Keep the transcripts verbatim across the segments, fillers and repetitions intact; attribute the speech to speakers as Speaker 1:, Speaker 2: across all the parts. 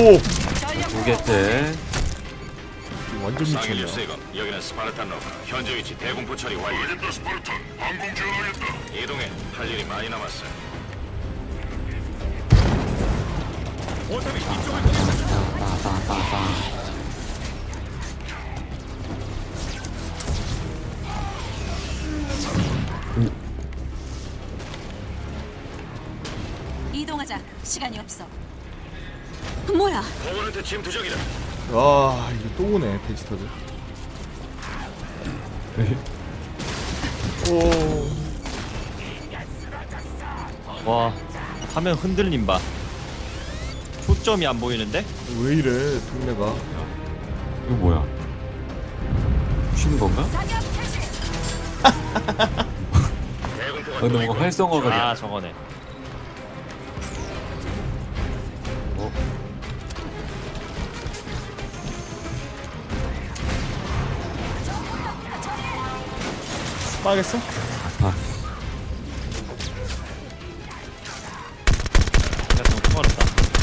Speaker 1: 오
Speaker 2: 두 개째.
Speaker 1: 완전
Speaker 3: 상일
Speaker 1: 미쳤네.
Speaker 3: 세검, 여기는 스파르탄 로가 현재 위치 대공포 처리 완료. 알겠다 스파르탄. 항공 지원하겠다. 이동해. 할 일이 많이 남았어.
Speaker 2: 따따따따.
Speaker 4: 이동하자. 시간이 없어. 뭐야?
Speaker 3: 거원한테 침투적이다.
Speaker 1: 와 이거 또 오네 베지터들. 오
Speaker 5: 와 화면 흔들림 봐. 초점이 안 보이는데?
Speaker 1: 왜 이래 동네가.
Speaker 2: 이거 뭐야? 쉬는 건가?
Speaker 4: 사격 개시.
Speaker 3: 대공포가
Speaker 2: 아, 근데 뭔가 활성화가
Speaker 5: 아
Speaker 2: 돼.
Speaker 5: 저거네.
Speaker 2: 어?
Speaker 1: 빠겠어?
Speaker 2: 아,
Speaker 5: 내가 너무 통화했다.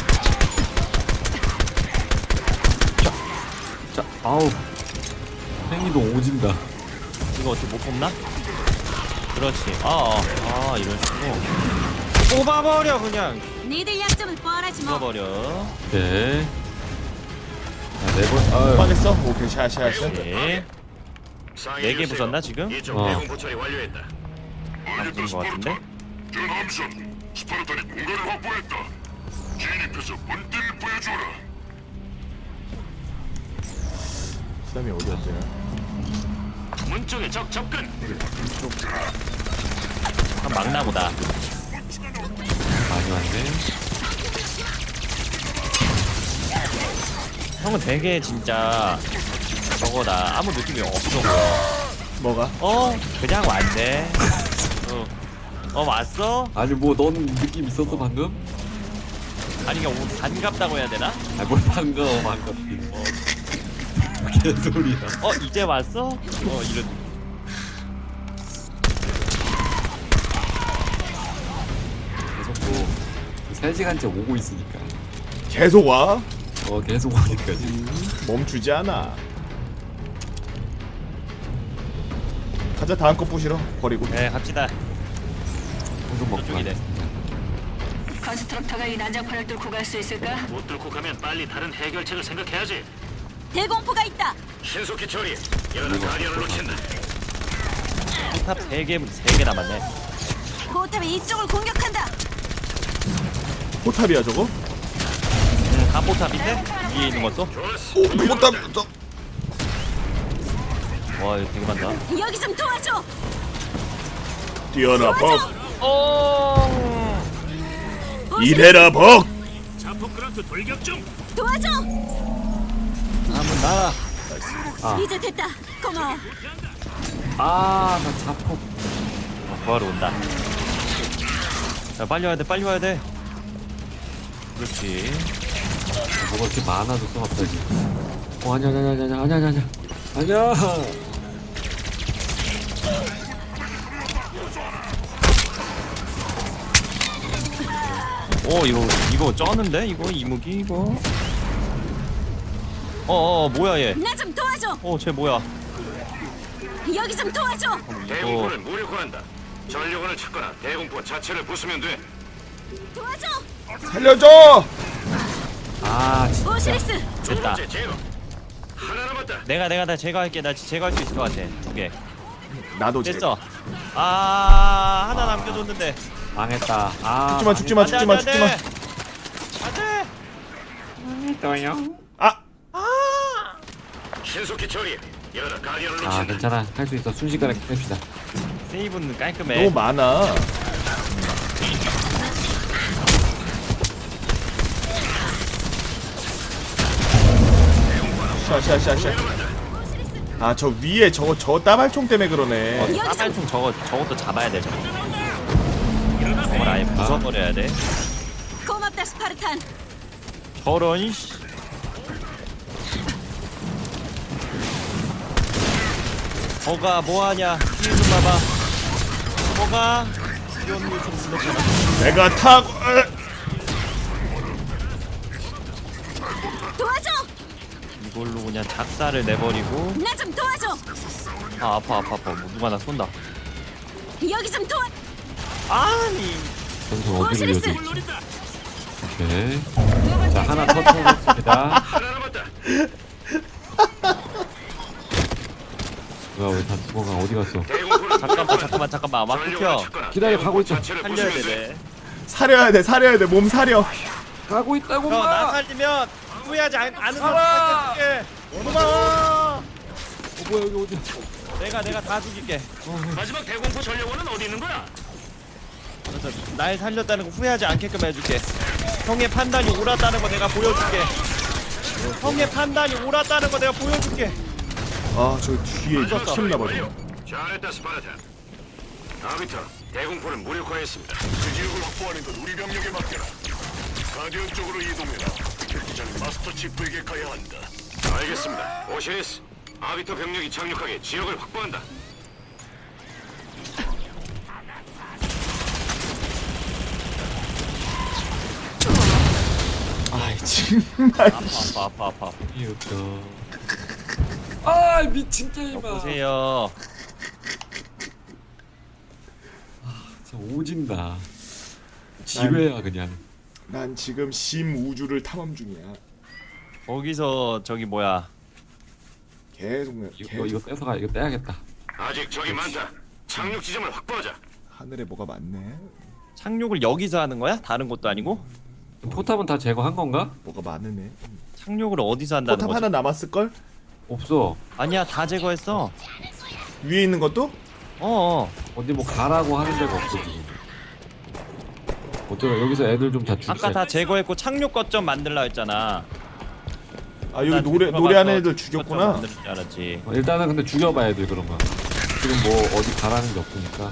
Speaker 2: 자, 아우. 팽이도 오진다.
Speaker 5: 이거 어떻게 못 뽑나? 그렇지. 아, 아, 아 이런 식으로 뽑아버려 그냥.
Speaker 4: 니들 약점은 뻔하지 뭐.
Speaker 5: 뽑아버려.
Speaker 2: 오케이. 자, 네 번. 아유.
Speaker 1: 빠겠어? 오케이 샤샤샤.
Speaker 5: 네. 네 개 부쉈나 지금?
Speaker 3: 이쪽
Speaker 2: 어.
Speaker 3: 대공포 처리 완료했다.
Speaker 5: 안 부순 것 같은데?
Speaker 3: 전함선 스파르탄이 공간을 확보했다. 진입해서 본때를 보여줘라.
Speaker 1: 수담이 어디였지?
Speaker 3: 문 쪽에 적 접근.
Speaker 5: 한 막나보다.
Speaker 2: 많이 왔네.
Speaker 5: 형은 되게 진짜 저거다. 아무 느낌이 없어 보여.
Speaker 1: 뭐가?
Speaker 5: 어? 그냥 왔네. 어, 어 왔어?
Speaker 2: 아니 뭐 넌 느낌 있었어 방금?
Speaker 5: 아니 이게 오늘 반갑다고 해야 되나?
Speaker 2: 아뭘 반가워 반갑긴. 어. 개소리야.
Speaker 5: 어 이제 왔어? 어 이런.
Speaker 2: 계속 뭐 세 시간째 오고 있으니까.
Speaker 1: 계속 와?
Speaker 2: 어 계속 오니까 지금.
Speaker 1: 멈추지 않아. 가자 다음 거 부시러 버리고.
Speaker 5: 네 갑시다.
Speaker 2: 계속 먹고
Speaker 5: 이쪽이네.
Speaker 2: 가겠습니다.
Speaker 4: 컨스트럭터가 이 난장판을 뚫고 갈 수 있을까?
Speaker 3: 못 뚫고 가면 빨리 다른 해결책을 생각해야지.
Speaker 4: 대공포가 있다.
Speaker 3: 신속히 처리해. 이러다 가디언을 놓친다.
Speaker 5: 포탑 세 개, 세 개 남았네.
Speaker 4: 포탑이 이쪽을 공격한다.
Speaker 1: 포탑이야 저거?
Speaker 5: 음, 다 포탑인데? 위에 있는 것도?
Speaker 3: 좋았어.
Speaker 1: 오 포탑. 저...
Speaker 5: 와 이거 되게 많다.
Speaker 4: 여기 좀 도와줘.
Speaker 1: 뛰어라 벅.
Speaker 5: 어.
Speaker 1: 이래라 벅.
Speaker 3: 자폭 그란트 돌격 중.
Speaker 4: 도와줘.
Speaker 5: 한번 날아.
Speaker 2: 아.
Speaker 4: 이제 됐다. 고마워.
Speaker 2: 아, 나 자폭.
Speaker 5: 어, 구하러 온다. 자 빨리 와야 돼, 빨리 와야 돼. 그렇지.
Speaker 2: 뭐가 이렇게 많아졌어 갑자기. 어 아니야 아니야 아니야 아니야 아니야 아니야. 아니야.
Speaker 5: 오 이거 이거 쩌는데 이거 이무기 이거. 어어 뭐야 얘?
Speaker 4: 나 좀 도와줘.
Speaker 5: 어쟤 뭐야?
Speaker 4: 여기 좀 도와줘.
Speaker 3: 대공포를 무력화한다. 전력원을 찾거나 대공포 자체를 부수면 돼.
Speaker 4: 도와줘.
Speaker 1: 살려줘.
Speaker 2: 아 진짜.
Speaker 4: 오시리스.
Speaker 3: 두
Speaker 5: 됐다.
Speaker 3: 번째 제거. 하나 남았다.
Speaker 5: 내가 내가 다 제거할게. 나 제거할 수 있을 것 같아. 두 개.
Speaker 1: 나도 제.
Speaker 5: 됐어. 아 하나 남겨뒀는데.
Speaker 2: 망했다. 아.
Speaker 1: 죽지마 죽지마 죽지마 죽지마.
Speaker 5: 안돼.
Speaker 2: 망했어요.
Speaker 1: 아
Speaker 3: 신속히 처리해. 이러다 가디언을
Speaker 2: 아
Speaker 3: 놓친다.
Speaker 2: 괜찮아 할 수 있어. 순식간에 깹시다.
Speaker 5: 세이브는 깔끔해.
Speaker 1: 너무 많아. 샤샤샤샤. 아 저 위에 저거 저 따발총 때문에 그러네.
Speaker 5: 따발총 저거 저것도 잡아야 돼. 저거. 저걸 아예 부숴버려야 돼.
Speaker 4: 고맙다 스파르탄.
Speaker 5: 저런 씨. 뭐가 뭐하냐? 뒤에 좀 봐봐. 뭐가? 이런 거 좀 불렀잖아.
Speaker 1: 내가 타고.
Speaker 5: 이걸로 그냥 작사를 내버리고.
Speaker 4: 나 좀 도와줘.
Speaker 5: 아 아파 아파 아파. 뭐 누가 나 쏜다.
Speaker 4: 여기 좀 도와.
Speaker 5: 아니.
Speaker 2: 전선 어디로
Speaker 4: 오시리스!
Speaker 2: 이어져 있지? 오케이. 자 하나 터트렸습니다.
Speaker 3: 하나 남았다.
Speaker 2: 뭐야 왜 다 죽어가 어디 갔어?
Speaker 3: 대공포를
Speaker 5: 잠깐만 잠깐만 잠깐만 막 끊겨.
Speaker 2: 기다려, 가고 있어.
Speaker 5: 살려야 되네.
Speaker 1: 사려야 돼 사려야 돼 몸 사려.
Speaker 2: 가고 있다고
Speaker 5: 형 나
Speaker 2: 마.
Speaker 5: 살리면 후회하지 않, 않은
Speaker 2: 살아!
Speaker 5: 사람 고마워.
Speaker 2: 어 뭐야 여기 어디?
Speaker 5: 내가 내가 다 죽일게.
Speaker 3: 마지막 대공포 전력원은 어디 있는 거야?
Speaker 5: 그래서 날 살렸다는 거 후회하지 않게끔 해줄게. 형의 판단이 옳았다는 거 내가 보여줄게. 형의 판단이 옳았다는 거 내가 보여줄게.
Speaker 1: 아 저 뒤에 튀었나 봐.
Speaker 3: 잘했다 스파르탄. 아비터, 대공포를 무력화했습니다. 그 지역을 확보하는 건 우리 병력에 맡겨라. 가디언 쪽으로 이동해라. 경기장 마스터 치프에게 가야 한다. 알겠습니다. 오시리스, 아비터 병력이 착륙하게 지역을 확보한다.
Speaker 1: 아이 정말.
Speaker 5: 아파 아파 아파 아파.
Speaker 2: 이었어. 아 미친 게임아.
Speaker 5: 보세요.
Speaker 2: 진짜 오진다. 지뢰야 그냥.
Speaker 1: 난 지금 심 우주를 탐험 중이야.
Speaker 5: 거기서 저기 뭐야.
Speaker 1: 계속 내-
Speaker 2: 이거
Speaker 1: 계속
Speaker 2: 이거 떼서가 이거 떼야겠다.
Speaker 3: 아직 적이 많다. 착륙 지점을 확보하자.
Speaker 1: 하늘에 뭐가 많네.
Speaker 5: 착륙을 여기서 하는 거야? 다른 곳도 아니고?
Speaker 2: 포탑은 다 제거한 건가?
Speaker 1: 뭐가 많으네.
Speaker 5: 착륙을 어디서 한다는
Speaker 1: 포탑
Speaker 5: 거지?
Speaker 1: 하나 남았을 걸?
Speaker 2: 없어.
Speaker 5: 아니야 다 제거했어.
Speaker 1: 위에 있는 것도?
Speaker 5: 어어.
Speaker 2: 어디 뭐 가라고 하는 데가 없어 지금. 어쩌다 여기서 애들 좀 다 죽여.
Speaker 5: 아까 다 제거했고 착륙 거점 만들라 했잖아.
Speaker 1: 아 여기
Speaker 5: 난
Speaker 1: 노래
Speaker 5: 들어가서
Speaker 1: 노래하는 애들
Speaker 5: 거점
Speaker 1: 죽였구나.
Speaker 5: 만들 줄 알았지.
Speaker 2: 어, 일단은 근데 죽여봐 애들 그러면. 지금 뭐 어디 가라는 게 없으니까.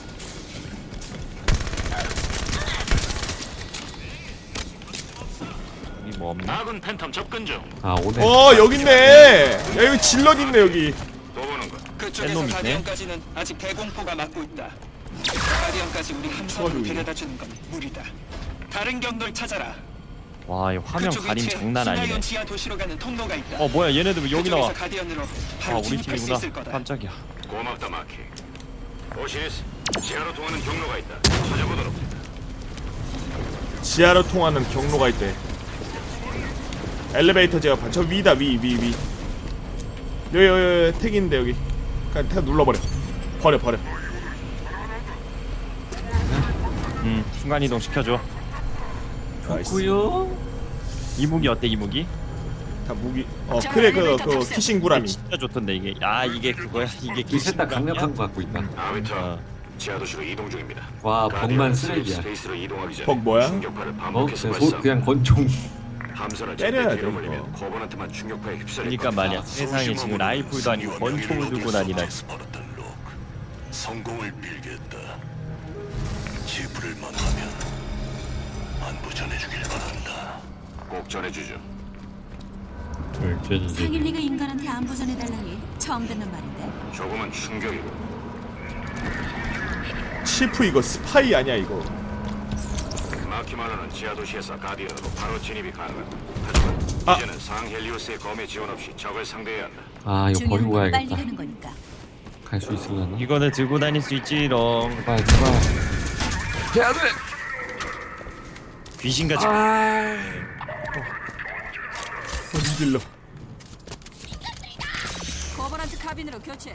Speaker 5: 여기 뭐 없나?
Speaker 3: 아군 팬텀 접근 중.
Speaker 2: 아 오네.
Speaker 1: 어 여기 있네. 야 여기 질럿 있네 여기.
Speaker 3: 또 보는 거.
Speaker 6: 그쪽에서
Speaker 5: 앨범 있네.
Speaker 6: 가디언까지는 아직 대공포가 막고 있다. 가디언까지 우리 함선으로
Speaker 1: 추가적이네.
Speaker 6: 데려다 주는 건 무리다. 다른 경로를 찾아라.
Speaker 5: 와 이 화면
Speaker 6: 그쪽
Speaker 5: 가림
Speaker 6: 위치에
Speaker 5: 장난 아니네.
Speaker 6: 신라이온 지하 도시로 가는 통로가 있다.
Speaker 5: 어 뭐야 얘네들 왜 여기
Speaker 6: 그쪽에서
Speaker 5: 나와?
Speaker 6: 가디언으로
Speaker 5: 아
Speaker 6: 바로
Speaker 5: 우리
Speaker 6: 진입할 수
Speaker 5: 팀이구나.
Speaker 6: 있을 거다.
Speaker 5: 깜짝이야.
Speaker 3: 고맙다 마키. 오시리스, 지하로 통하는 경로가 있다. 찾아보도록.
Speaker 1: 지하로 통하는 경로가 있대. 엘리베이터 제어판 저 위다 위 위 위. 여기 여기 여기 택 있는데 여기. 그냥 택 눌러버려. 버려 버려.
Speaker 5: 음 순간 이동 시켜줘.
Speaker 1: 나이스.
Speaker 2: 구요.
Speaker 5: 이무기 어때 이무기?
Speaker 1: 다 무기. 어 그래 그 그 키싱 구라미.
Speaker 5: 진짜 좋던데 이게. 아 이게 그거야 이게
Speaker 2: 이 셋 다
Speaker 5: 기신감이야?
Speaker 2: 강력한 거 갖고 있다.
Speaker 3: 아비터,
Speaker 5: 어.
Speaker 3: 지하 도시로 이동 중입니다.
Speaker 2: 와 벅만
Speaker 3: 가디언
Speaker 2: 쓰레기야.
Speaker 3: 스페이스로 이동하기 전에
Speaker 1: 벅 뭐야?
Speaker 3: 충격파를
Speaker 2: 어?
Speaker 3: 반복해서
Speaker 2: 그냥, 소,
Speaker 3: 발사.
Speaker 2: 그냥 권총.
Speaker 3: 함선을
Speaker 1: 때려야
Speaker 3: 절대
Speaker 1: 돼,
Speaker 3: 뒤로 물리면
Speaker 1: 이거.
Speaker 3: 거번한테만 충격파에 휩쓸릴
Speaker 5: 그러니까
Speaker 3: 거다.
Speaker 5: 말이야 세상에 지금 라이플도 아니고 권총을 들고 다니다.
Speaker 3: 성공을 빌겠다. 지프를 만나면 안부 전해주길 바란다. 꼭 전해주죠.
Speaker 4: 상일리가 인간한테 안부 전해달라니 처음 듣는 말인데.
Speaker 3: 조금은 충격이고.
Speaker 1: 치프 이거 스파이 아니야 이거.
Speaker 3: 마키마노는 지하 도시에서 가디언으로 바로 진입이 가능하다. 하지만
Speaker 1: 아.
Speaker 3: 이제는 상헬리우스의 검의 지원 없이 적을 상대해야 한다.
Speaker 2: 아 이거
Speaker 4: 중요한
Speaker 2: 버리고
Speaker 4: 건 빨리
Speaker 2: 가야겠다.
Speaker 4: 가는 거니까.
Speaker 2: 갈 수 있으려나?
Speaker 5: 이거는 들고 다닐 수 있지롱.
Speaker 2: 제발 제발. 해야 돼.
Speaker 5: 귀신같이.
Speaker 2: 아.
Speaker 1: 손질러.
Speaker 4: 거버넌트 카빈으로 교체.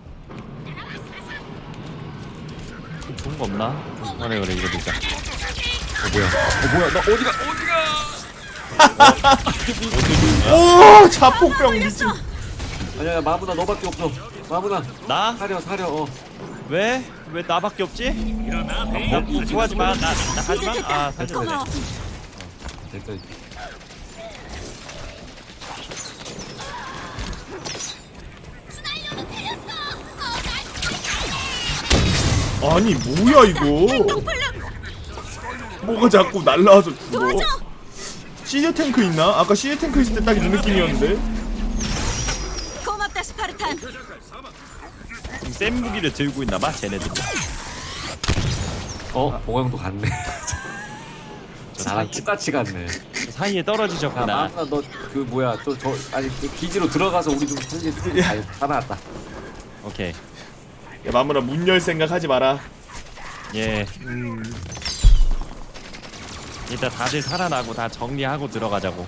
Speaker 5: 좋은 거 없나? 그래 그래 이거 되자.
Speaker 2: 어 뭐야? 어 뭐야? 나 어디가 어디가?
Speaker 1: 오 자폭병 미친.
Speaker 2: 아니야 마무나 너밖에 없어. 마무나
Speaker 5: 나?
Speaker 2: 사려 사려. 어.
Speaker 5: 왜? 왜 나밖에 없지? 뭐, 좋아하지 마. 나, 나 하지 마. 아 살려야
Speaker 4: 고마워.
Speaker 5: 돼.
Speaker 2: 됐다.
Speaker 1: 아니 뭐야 이거. 뭐가 자꾸 날라와서 죽어. 시즈 탱크 있나? 아까 시즈 탱크 있을 때 딱 이 느낌이었는데.
Speaker 4: 고맙다 스파르탄.
Speaker 5: 센 무기를 들고 있나봐 쟤네들.
Speaker 2: 어 보강도 갔네. 나랑 똑같이 갔네.
Speaker 5: 사이에
Speaker 2: 야
Speaker 5: 떨어지셨구나.
Speaker 2: 마누라 너 그 뭐야 또 저 아니 그 기지로 들어가서 우리 좀 살리. 아 살아났다.
Speaker 5: 오케이.
Speaker 1: 야 마무라 문 열 생각 하지 마라.
Speaker 5: 예.
Speaker 1: 음.
Speaker 5: 일단 다들 살아나고 다 정리하고 들어가자고.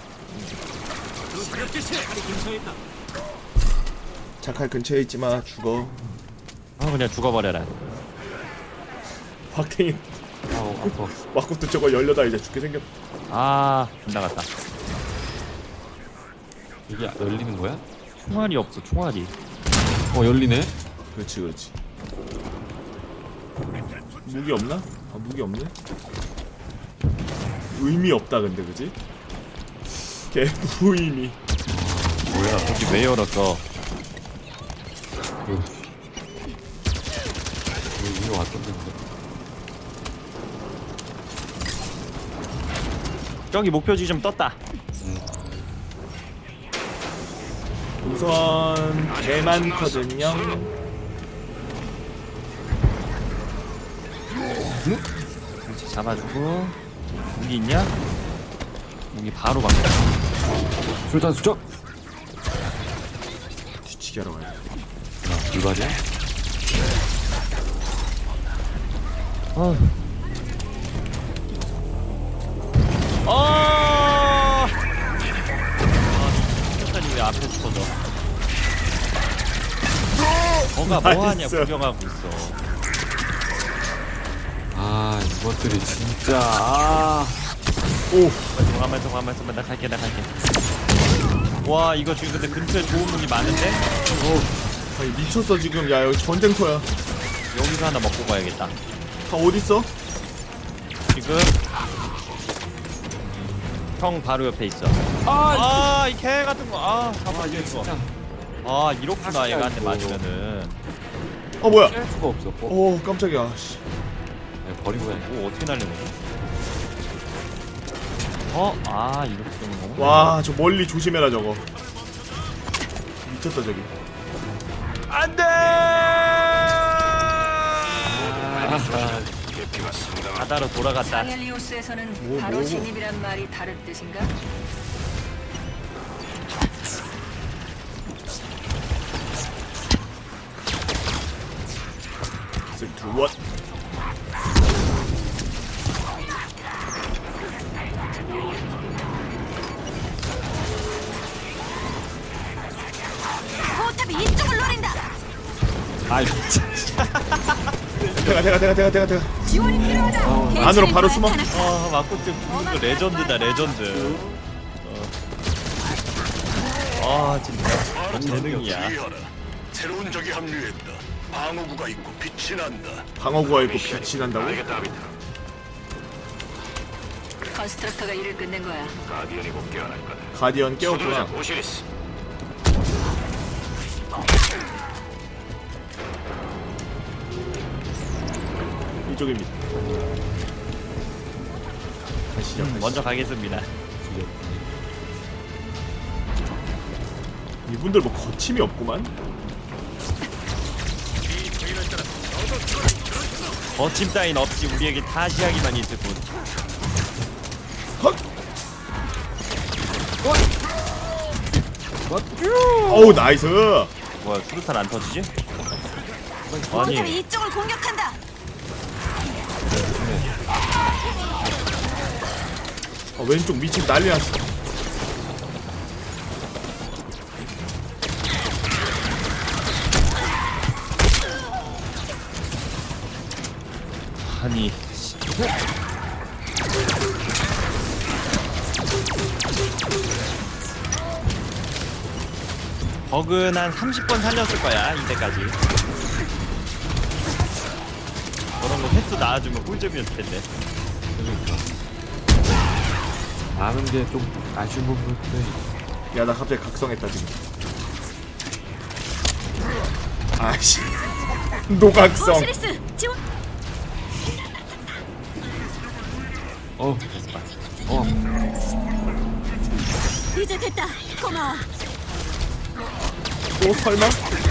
Speaker 1: 자칼 근처에 있지 마. 죽어.
Speaker 5: 아 그냥 죽어버려라.
Speaker 1: 확탱이
Speaker 2: 아우 아파.
Speaker 1: 마코트 저거 열려다 이제 죽게 생겼.
Speaker 5: 아 빗나갔다.
Speaker 2: 이게 열리는 거야?
Speaker 5: 총알이 없어 총알이.
Speaker 2: 어 열리네.
Speaker 1: 그렇지 그렇지. 무기 없나? 아 무기 없네. 의미 없다 근데 그지? 개 무의미.
Speaker 5: 뭐야 여기 왜 열었어?
Speaker 2: 여기 위로 왔던데.
Speaker 5: 저기 목표지 좀 떴다.
Speaker 1: 우선 개 많거든요.
Speaker 5: 그렇지 잡아주고. 무기 있냐? 무기 바로 바꿔.
Speaker 2: 술탄 수적.
Speaker 1: 뒤치기 하러 가야 돼.
Speaker 2: 야 불가리야?
Speaker 5: 어. 어. 아, 폭탄이 왜 앞에 터져? 뭐가 뭐하냐
Speaker 1: 나이스.
Speaker 5: 구경하고 있어.
Speaker 2: 아 이것들이 진짜 아.
Speaker 1: 오
Speaker 5: 잠깐만 잠깐만 잠깐만 나 갈게 나 갈게. 와 이거 지금 근데 근처에 좋은 무기 많은데?
Speaker 1: 아니 미쳤어 지금. 야 여기 전쟁터야.
Speaker 5: 여기서 하나 먹고 가야겠다.
Speaker 1: 다 어딨어?
Speaker 5: 지금 형 바로 옆에 있어. 아이 개 같은 거. 아 잡아
Speaker 2: 아 이게
Speaker 5: 이거.
Speaker 2: 진짜
Speaker 5: 아 이렇구나
Speaker 2: 사기야,
Speaker 5: 얘가한테
Speaker 2: 이거.
Speaker 5: 맞으면은.
Speaker 1: 어 뭐야?
Speaker 2: 피할 수가 없어. 어,
Speaker 1: 오 깜짝이야. 씨.
Speaker 2: 야, 버리고 해.
Speaker 5: 오 어떻게 날리는 거지? 어? 아 이렇게 쏘는 거구나.
Speaker 1: 와 저 멀리 조심해라 저거. 미쳤다 저기. 안돼.
Speaker 2: 아,
Speaker 3: 대피가 상당한
Speaker 5: 바다로 돌아갔다.
Speaker 4: 아헬리오스에서는
Speaker 1: 뭐,
Speaker 4: 바로
Speaker 1: 뭐.
Speaker 4: 진입이란 말이 다른 뜻인가?
Speaker 1: 쓰리, 원.
Speaker 4: 포탑이 이쪽을 노린다.
Speaker 2: 아 진짜.
Speaker 1: 대가 대가 대가 대가 대가 대가.
Speaker 4: 지원이 필요하다.
Speaker 1: 안으로 바로 숨어.
Speaker 5: 아 마코트 죽는 거 레전드다 레전드. 어. 아 진짜 재능이야.
Speaker 3: 주의하라. 새로운 적이 합류했다. 방어구가 있고 빛이 난다.
Speaker 1: 방어구가 있고 빛이 난다고?
Speaker 3: 알겠다, 아비타.
Speaker 4: 컨스트럭터가 일을 끝낸 거야.
Speaker 3: 가디언이 곧 깨어날 거다.
Speaker 1: 가디언 깨웠구나.
Speaker 3: 서두르자, 오시리스.
Speaker 1: 이쪽입니다. 가시죠.
Speaker 5: 음,
Speaker 1: 가시죠.
Speaker 5: 먼저 가겠습니다.
Speaker 1: 이분들 뭐 거침이 없구만.
Speaker 5: 거침 따윈 없이 우리에게 타시하기만 있을 뿐.
Speaker 1: 헛. 어우 나이스.
Speaker 5: 뭐야 수류탄 안 터지지?
Speaker 4: 포탑이
Speaker 5: 아니
Speaker 4: 이쪽을 공격한다.
Speaker 1: 아, 왼쪽 미친 난리 났어.
Speaker 5: 아니 버그는 한 삼십 번 살렸을 거야 이때까지. 저런 거 횟수 나와주면 꿀잼이었을 텐데.
Speaker 2: 아는 게 좀 아쉬운 부분인데.
Speaker 1: 야 나 갑자기 각성했다 지금. 아씨. 노각성.
Speaker 4: 오시리스 지원.
Speaker 2: 어. 어.
Speaker 4: 이제 됐다. 고마워.
Speaker 1: 또 설마?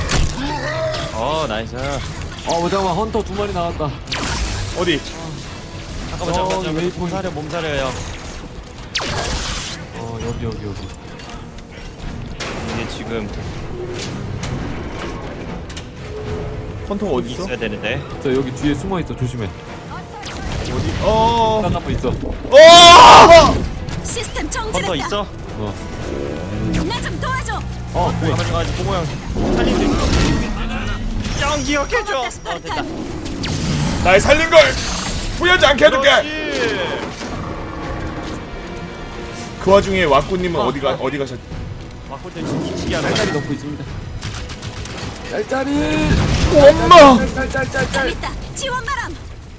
Speaker 5: 어 나이스.
Speaker 2: 어 잠깐만 헌터 두 마리 나왔다.
Speaker 1: 어디?
Speaker 5: 잠깐만
Speaker 2: 어,
Speaker 5: 잠깐만 잠깐만
Speaker 2: 웨이포인트.
Speaker 5: 몸사려 몸사려요.
Speaker 2: 여기 여기 여기.
Speaker 5: 이게 지금
Speaker 1: 헌터가 어디 있어?
Speaker 5: 있어야 되는데.
Speaker 2: 저 여기 뒤에 숨어 있어. 조심해.
Speaker 1: 어디? 어.
Speaker 2: 딴 한번 있어.
Speaker 1: 어!
Speaker 7: 시스템
Speaker 5: 헌터
Speaker 7: 정지됐다.
Speaker 5: 있어?
Speaker 2: 어.
Speaker 7: 나 좀 도와줘.
Speaker 5: 어 뭐야? 가만히 가만히 보고 형 살릴 수 있어. 형 기억해줘. 어 됐다.
Speaker 7: 스파르탄.
Speaker 1: 날 살린 걸 후회하지 않게 해줄게.
Speaker 5: 그렇지.
Speaker 1: 그 와중에 왁구님은 어, 디가 어디 가셨?
Speaker 5: 아 혼자 지치게 하는
Speaker 2: 짤짤이
Speaker 5: 거야.
Speaker 2: 넣고 있습니다. 짤짤이.
Speaker 1: 엄마!
Speaker 2: 짤짤짤짤.
Speaker 7: 있다. 지원 바람.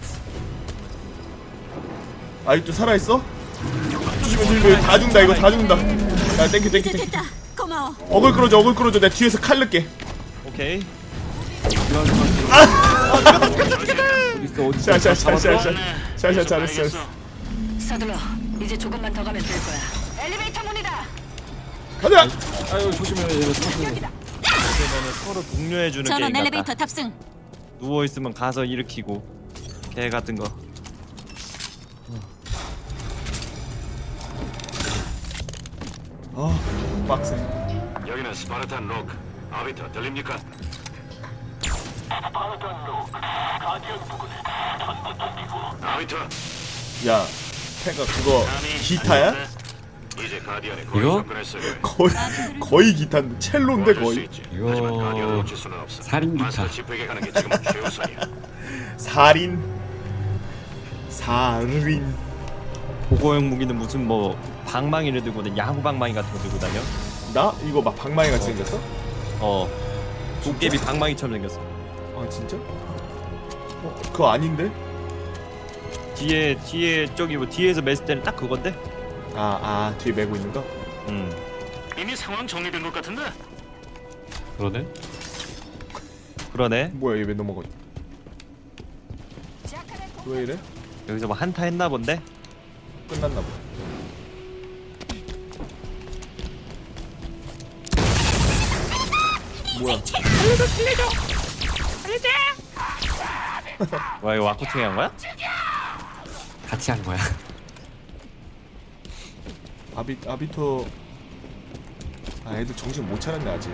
Speaker 1: 아직도 살아 있어? 조심해 조심해 다 죽는다 이거 다 죽는다. 야 땡큐 땡큐
Speaker 7: 이제
Speaker 1: 땡큐.
Speaker 7: 됐다. 고마워.
Speaker 1: 어글 끌어줘 어글 끌어줘. 내가 뒤에서 칼 넣게.
Speaker 5: 오케이.
Speaker 2: 어디 있어 어디 있어.
Speaker 1: 샤샤샤샤샤. 샤샤 잘했어 잘했어.
Speaker 4: 서둘러. 이제 조금만 더 가면 될 거야. 엘리베이터 문이다.
Speaker 1: 가자.
Speaker 2: 아유 조심해. 얘가 숨어.
Speaker 5: 그러면은 서로 독려해주는 게임
Speaker 7: 전원
Speaker 5: 같다.
Speaker 7: 엘리베이터 탑승.
Speaker 5: 누워 있으면 가서 일으키고 개 같은 거.
Speaker 1: 아 빡세.
Speaker 3: 여기는 스파르탄 로크. 아비터 들립니까? 아비터.
Speaker 1: 야 태가 그거 기타야?
Speaker 3: 이제 가디언의
Speaker 2: 이거?
Speaker 3: 거의 접근했어요.
Speaker 1: 거의 거의 기타인데 첼로인데
Speaker 3: 도와줄 수
Speaker 1: 거의.
Speaker 3: 있지.
Speaker 2: 이거
Speaker 3: 하지만 가디언을 놓칠 수는 없어.
Speaker 2: 살인 기타.
Speaker 3: 마스터 지프에게 가는 게 지금 최우선이야.
Speaker 1: 살인. 살인.
Speaker 5: 보고형 무기는 무슨 뭐 방망이를 들고 다니 야구 방망이 같은 거 들고 다녀?
Speaker 1: 나 이거 막 방망이 같이 생겼어?
Speaker 5: 어. 도깨비 방망이처럼 생겼어.
Speaker 1: 아 진짜? 어 그거 아닌데?
Speaker 5: 뒤에 뒤에 저기 뭐 뒤에서 맸을 때는 딱 그건데?
Speaker 1: 아 아 뒤에 메고 있는 거?
Speaker 5: 음.
Speaker 3: 이미 상황 정리된 것 같은데?
Speaker 2: 그러네.
Speaker 5: 그러네.
Speaker 1: 뭐야 얘 왜 넘어가? 왜 이래?
Speaker 5: 여기서 뭐 한타 했나 본데?
Speaker 1: 끝났나 보다. 뭐야?
Speaker 5: 와 이거 와꾸팅이 한 거야?
Speaker 2: 같이 한 거야.
Speaker 1: 아비 아비터. 아 애들 정신 못 차렸네 아직.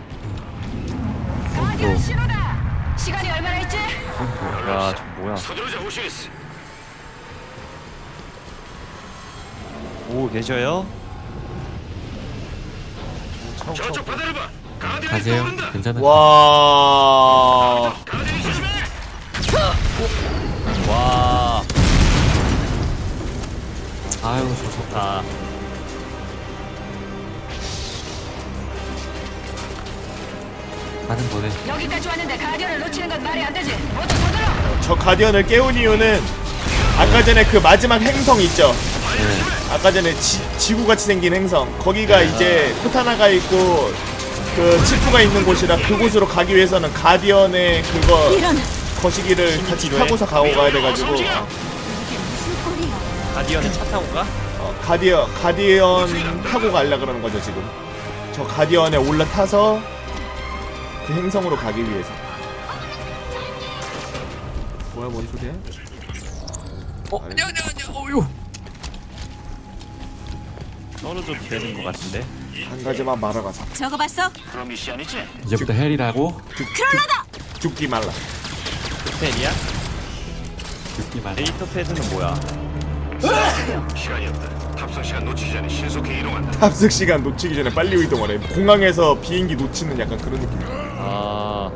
Speaker 4: 가디언 신호다. 시간이 얼마나 있지?
Speaker 5: 야, 저 뭐야?
Speaker 3: 서두르자 오시리스.
Speaker 5: 오 계셔요?
Speaker 3: 저쪽 바다를 봐. 가디언이
Speaker 2: 가세요.
Speaker 3: 떠오른다.
Speaker 2: 괜찮아.
Speaker 1: 와.
Speaker 3: 가디언이 조심해.
Speaker 5: 와,
Speaker 2: 아유 좋다.
Speaker 5: 아,
Speaker 2: 가는 거네.
Speaker 4: 여기까지 왔는데 가디언을 놓치는 건 말이 안 되지. 모두 서둘러.
Speaker 1: 저 가디언을 깨운 이유는 아까 전에 그 마지막 행성 있죠?
Speaker 2: 네.
Speaker 1: 아까 전에 지, 지구같이 생긴 행성 거기가 이제 코타나가 있고 그 치프가 있는 곳이라 그곳으로 가기 위해서는 가디언의 그거
Speaker 7: 이런.
Speaker 1: 거시기를 같이
Speaker 5: 필요해?
Speaker 1: 타고서 가고 가야 돼가지고
Speaker 7: 이게 무슨 꼴이야?
Speaker 5: 가디언에 차 타고 가?
Speaker 1: 어, 가디언 가디언 타고 가려 그러는 거죠 지금. 저 가디언에 올라타서 그 행성으로 가기 위해서. 뭐야 뭔 소리야?
Speaker 2: 어 아니야 아니야 아니야. 어유.
Speaker 5: 떨어져도 되는 것 같은데?
Speaker 1: 한 가지만 말아가서
Speaker 7: 저거 봤어?
Speaker 3: 그럼 미션이지?
Speaker 2: 이제부터 헬이라고.
Speaker 7: 크롤라다.
Speaker 1: 죽기 말라.
Speaker 5: 펜이야?
Speaker 2: 듣기 말.
Speaker 5: 데이터 패드는 뭐야?
Speaker 3: 시간이 없다. 탑승 시간 놓치기 전에 신속히 이동한다.
Speaker 1: 탑승 시간 놓치기 전에 빨리 이동하래. 공항에서 비행기 놓치는 약간 그런 느낌.
Speaker 5: 아,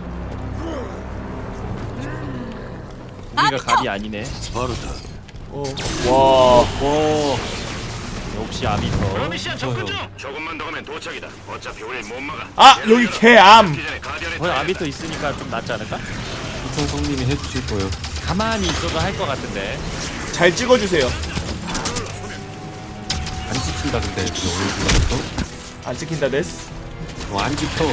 Speaker 5: 우리가
Speaker 7: 아비터.
Speaker 5: 갑이 아니네.
Speaker 1: 어. 와.
Speaker 5: 오, 역시 아비터.
Speaker 3: 미션 접근 중. 조금만 더 가면 도착이다. 어차피 우릴 못 막아.
Speaker 1: 아 여기 개암.
Speaker 3: 기 전에 가디언에
Speaker 5: 거기 아비터 있으니까 좀 낫지 않을까?
Speaker 2: 이천 성님이 해주실 거예요.
Speaker 5: 가만히 있어도 할 것 같은데.
Speaker 1: 잘 찍어주세요.
Speaker 2: 안 지킨다 근데 그 오늘
Speaker 1: 안 찍힌다 데스.
Speaker 2: 어, 안 지켜.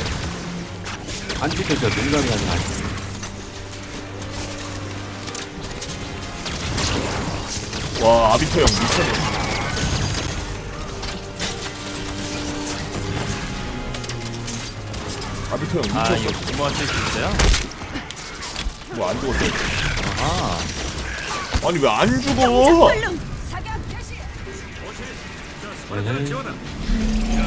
Speaker 2: 안 지켜 진짜 농담이 아니라 안 지켜.
Speaker 1: 와 아비터 형 미쳤네. 아비터 형
Speaker 5: 아,
Speaker 1: 미쳤어.
Speaker 5: 이거 부모한테 쓸 수 있어요?
Speaker 1: 뭐 안 죽었어?
Speaker 5: 아,
Speaker 1: 아니 왜 안 죽어?
Speaker 7: 얼른.
Speaker 4: 사격 개시.
Speaker 2: 에헤이.